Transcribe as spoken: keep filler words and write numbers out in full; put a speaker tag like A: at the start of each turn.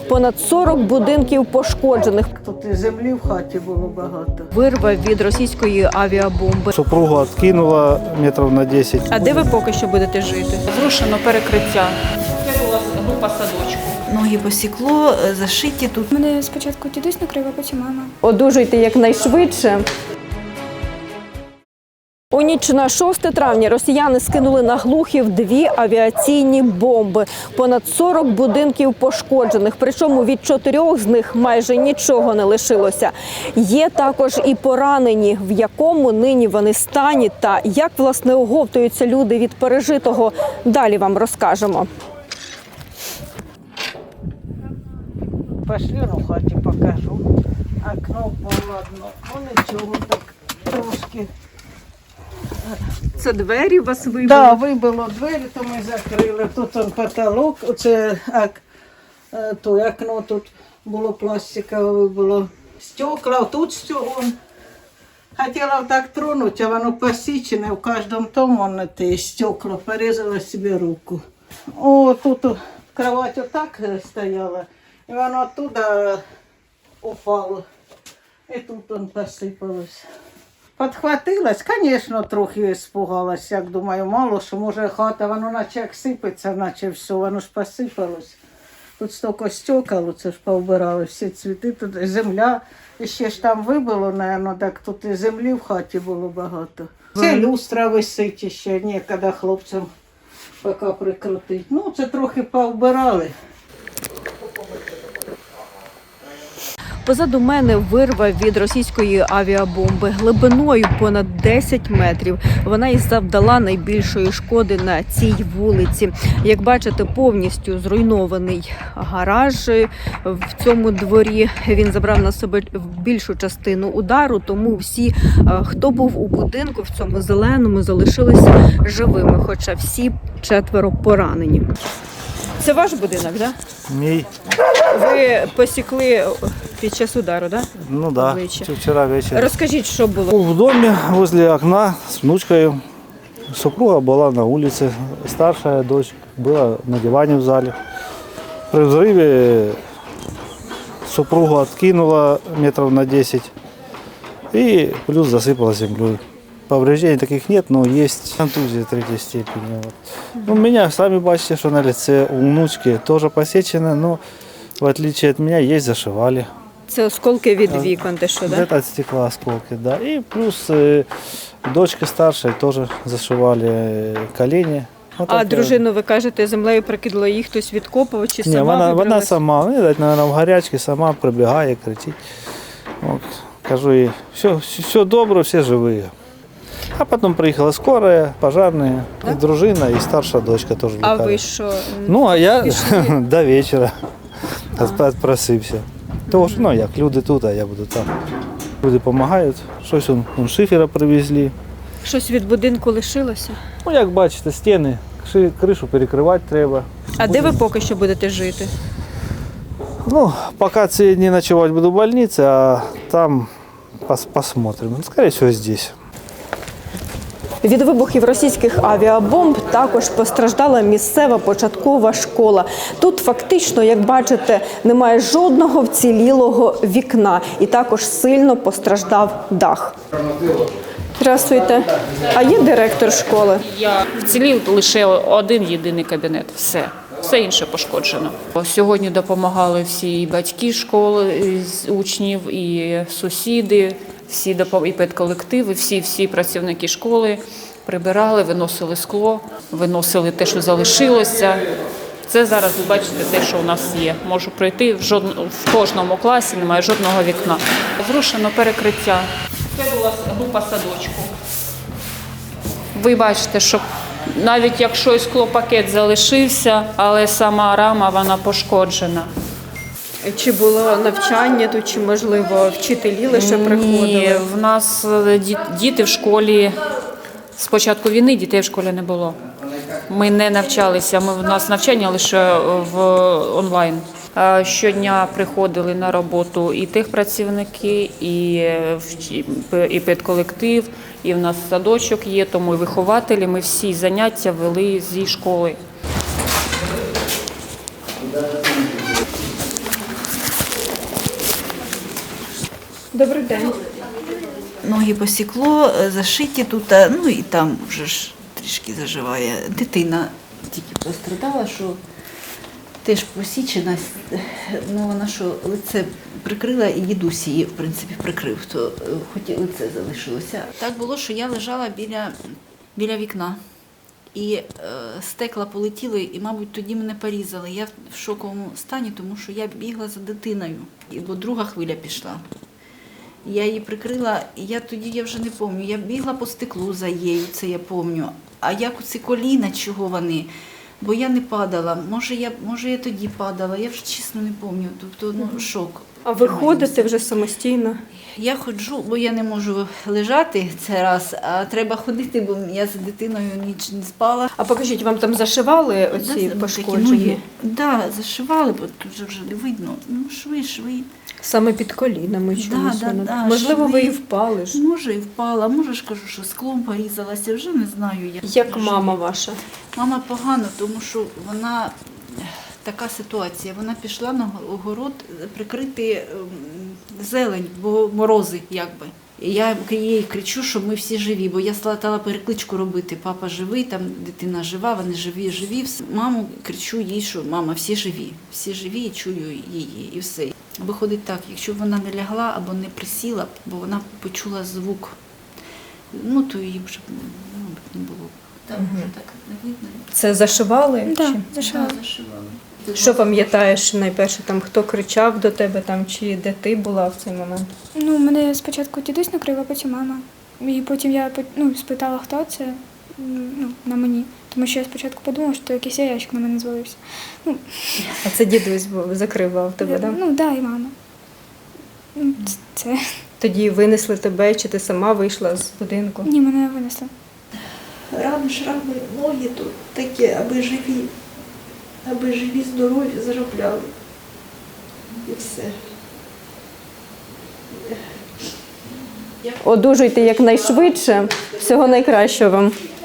A: Понад сорок будинків пошкоджених.
B: Тут і землі в хаті було багато.
A: Вирва від російської авіабомби.
C: Супругу відкинула метрів на десять.
A: А де ви поки що будете жити?
D: Зрушено перекриття. Це була група садочку.
E: Ноги посікло, зашиті тут.
F: Мене спочатку дідусь накрив, а потім мама.
A: Одужуйте якнайшвидше. У ніч на шосте травня росіяни скинули на Глухів дві авіаційні бомби. Понад сорок будинків пошкоджених, причому від чотирьох з них майже нічого не лишилося. Є також і поранені, в якому нині вони стані та як, власне, оговтуються люди від пережитого. Далі вам розкажемо.
B: Пошли, ну, в хаті покажу. Окно поладно. Ну нічого, так трошки.
A: Це двері вас вибили?
B: Так, да, вибило двері, то ми закрили. Тут он потолок, оце ак, то окно тут було пластикове, вибило. Стекла, тут стекло. Хотіла так тронути, а воно посічене, в кожному тому воно те стекло, порізала собі руку. О, тут кровать отак стояла, і воно оттуда упало. І тут он посипалось. Подхватилась, звісно, трохи спугалась, як думаю, мало, що може хата, воно наче як сипеться, наче все, воно ж посипалось. Тут стільки стекол, це ж повбирали всі цвіти, тут земля, і ще ж там вибило, мабуть, так тут і землі в хаті було багато. Це люстра висить ще, ніколи хлопцям поки прикрутити. Ну, це трохи повбирали.
A: Позаду мене вирва від російської авіабомби глибиною понад десять метрів. Вона і завдала найбільшої шкоди на цій вулиці. Як бачите, повністю зруйнований гараж в цьому дворі. Він забрав на себе більшу частину удару, тому всі, хто був у будинку в цьому зеленому, залишилися живими, хоча всі четверо поранені. Це ваш будинок, так? Да?
C: Мій.
A: Ви посікли під час удару, так? Да?
C: Ну так, да. Вчора ввечері.
A: Розкажіть, що було?
C: Був в домі, возле окна з внучкою. Супруга була на вулиці, старша дочь була на дивані в залі. При взриві супругу відкинула метрів на десять і плюс засипала землею. Повреждений таких нет, но есть контузия третьей степени. Вот. Ну, у меня, сами бачите, что на лице у внучки тоже посечено, но в отличие от меня есть зашивали.
A: Це осколки від вікон, те що, да?
C: Это от стекла осколки, да. И плюс э, дочка старшая тоже зашивали э, колени. Вот
A: А
C: так,
A: дружину, ви кажете, землею прикидала, їх хтось відкопував чи сама
C: Не, вона, вона
A: вибралась?
C: сама, ну, наверное, в гарячці сама прибігає, кричить. Вот. Кажу їй, все, все добре, все живі. А потом приехала скорая, пожарные, да? И дружина, и старшая дочка тоже.
A: А
C: лікарі.
A: ви що?
C: Ну, а я до вечора просився. Тому що, ну, як, люди тут, а я буду там. Люди допомагають, щось он, он шифера привезли.
A: Щось від будинку лишилося?
C: Ну, як бачите, стіни, кришу перекривати треба.
A: А де ви поки що будете жити?
C: Ну, поки ці дні ночувати буду в больниці, а там пос посмотрим. Скоріше всього, здесь.
A: Від вибухів російських авіабомб також постраждала місцева початкова школа. Тут фактично, як бачите, немає жодного вцілілого вікна і також сильно постраждав дах. Здравствуйте. А є директор школи?
D: Я вцілів лише один єдиний кабінет. Все. Все інше пошкоджено. Сьогодні допомагали всі і батьки школи, з учнів, і сусіди, всі і педколективи, всі, всі працівники школи прибирали, виносили скло, виносили те, що залишилося. Це зараз, ви бачите, те, що у нас є. Можу пройти, в, жодно, в кожному класі немає жодного вікна. Зрушено перекриття. Це була група садочку. Ви бачите, що навіть якщо і склопакет залишився, але сама рама, вона пошкоджена.
A: Чи було навчання тут, чи, можливо, вчителі лише приходили?
D: Ні, в нас діти в школі, з початку війни дітей в школі не було. Ми не навчалися, ми, у нас навчання лише в онлайн. Щодня приходили на роботу і техпрацівники, і, і педколектив, і в нас садочок є, тому і вихователі. Ми всі заняття вели зі школи.
F: Добрий день.
E: Ноги посікло, е, зашиті тут, а, ну і там вже ж трішки заживає. Дитина тільки пострадала, що теж посічена, ну вона що лице прикрила і дідусь її, в принципі, прикрив, то е, хоч і лице залишилося. Так було, що я лежала біля, біля вікна. І е, стекла полетіли, і, мабуть, тоді мене порізали. Я в шоковому стані, тому що я бігла за дитиною, і, бо друга хвиля пішла. Я її прикрила, і я тоді я вже не пам'ятаю. Я бігла по стеклу за її, це я пам'ятаю. А як оці коліна, чого вони? Бо я не падала. Може, я, може, я тоді падала, я вже чесно не пам'ятаю. Тобто, ну, шок.
A: А ви ходите вже самостійно?
E: Я ходжу, бо я не можу лежати це раз, а треба ходити, бо я за дитиною ніч не спала.
A: А покажіть, вам там зашивали оці
E: Да,
A: пошкодження?
E: Так, да, зашивали, бо тут же вже не видно. Ну, шви, шви.
A: Саме під колінами чомусь
E: да,
A: воно.
E: да,
A: Можливо, ви
E: шви.
A: і впали ж.
E: Може, і впала, може ж кажу, що склом порізалася, вже не знаю. Як,
A: Як мама ваша?
E: Мама погано, тому що вона, така ситуація, вона пішла на огород прикрити ем, зелень, бо морози якби. І я їй кричу, що ми всі живі, бо я стала перекличку робити. Папа живий, там дитина жива, вони живі, живі. Все. Маму кричу їй, що мама, всі живі, всі живі, і чую її, і все. Виходить так, якщо б вона не лягла або не присіла, бо вона почула звук, ну то її б вже ну, не було. Там вже так не видно.
A: Це зашивали?
F: Так,
A: Чи?
F: зашивала.
E: Да, зашивали.
A: Що пам'ятаєш найперше, там хто кричав до тебе, там чи де ти була в цей момент?
F: Ну, мене спочатку дідусь накрив, а потім мама. І потім я ну, спитала, хто це ну, на мені. Тому що я спочатку подумала, що якийсь яєчок на мене звалився. Ну,
A: А це дідусь був, закривав тебе, так?
F: ну, да, і мама. Ну, Це.
A: Тоді винесли тебе, чи ти сама вийшла з будинку?
F: Ні, мене винесли.
G: Рани, шрами, ноги тут такі, аби живі, аби живі, здорові, заробляли. І все.
A: Одужуйте якнайшвидше. Всього найкращого вам.